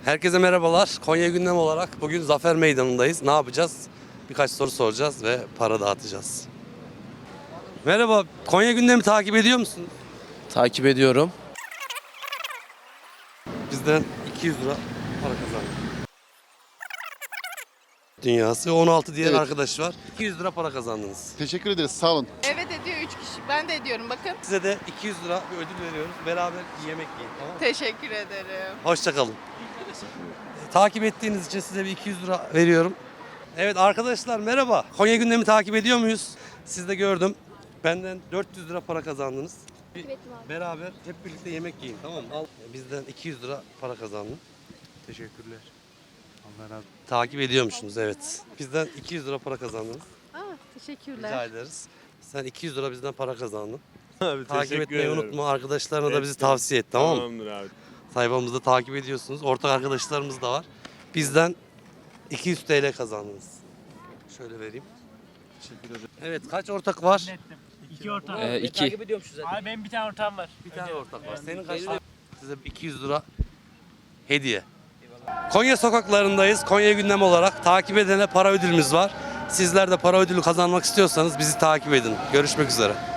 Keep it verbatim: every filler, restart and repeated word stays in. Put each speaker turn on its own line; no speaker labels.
Herkese merhabalar. Konya gündem olarak bugün Zafer Meydanı'ndayız. Ne yapacağız? Birkaç soru soracağız ve para dağıtacağız. Merhaba, Konya gündemi takip ediyor musun?
Takip ediyorum.
Bizden iki yüz lira para kazandık. Dünyası on altı diğer
Evet.
arkadaş var. iki yüz lira para kazandınız.
Teşekkür ederiz. Sağ olun.
Evet ediyor üç kişi. Ben de ediyorum bakın.
Size de iki yüz lira bir ödül veriyoruz. Beraber yemek yiyin, tamam mı?
Teşekkür ederim.
Hoşça kalın. Takip ettiğiniz için size bir iki yüz lira veriyorum. Evet arkadaşlar merhaba. Konya gündemi takip ediyor muyuz? Siz de gördüm. Benden dört yüz lira para kazandınız. Bir beraber hep birlikte yemek yiyin, tamam mı? Al. Bizden iki yüz lira para kazandın. Teşekkürler. Allah razı olsun. Takip ediyormuşsunuz, evet. Bizden iki yüz lira para kazandınız.
Aa, teşekkürler.
Rica ederiz. Sen iki yüz lira bizden para kazandın.
Abi,
Takip
teşekkür
etmeyi
ederim.
unutma. Arkadaşlarına da bizi
Ettim.
tavsiye et, tamam mı?
Tamamdır abi.
Sayfamızda takip ediyorsunuz. Ortak arkadaşlarımız da var. Bizden iki yüz T L kazandınız. Şöyle vereyim.
Teşekkür ederim.
Evet, kaç ortak var?
İki ortağım.
Ee, iki.
Abi benim bir tane ortağım var.
Bir tane ortak var. Senin kaç tane? Size iki yüz lira hediye. Konya sokaklarındayız. Konya gündem olarak takip edene para ödülümüz var. Sizler de para ödülü kazanmak istiyorsanız bizi takip edin. Görüşmek üzere.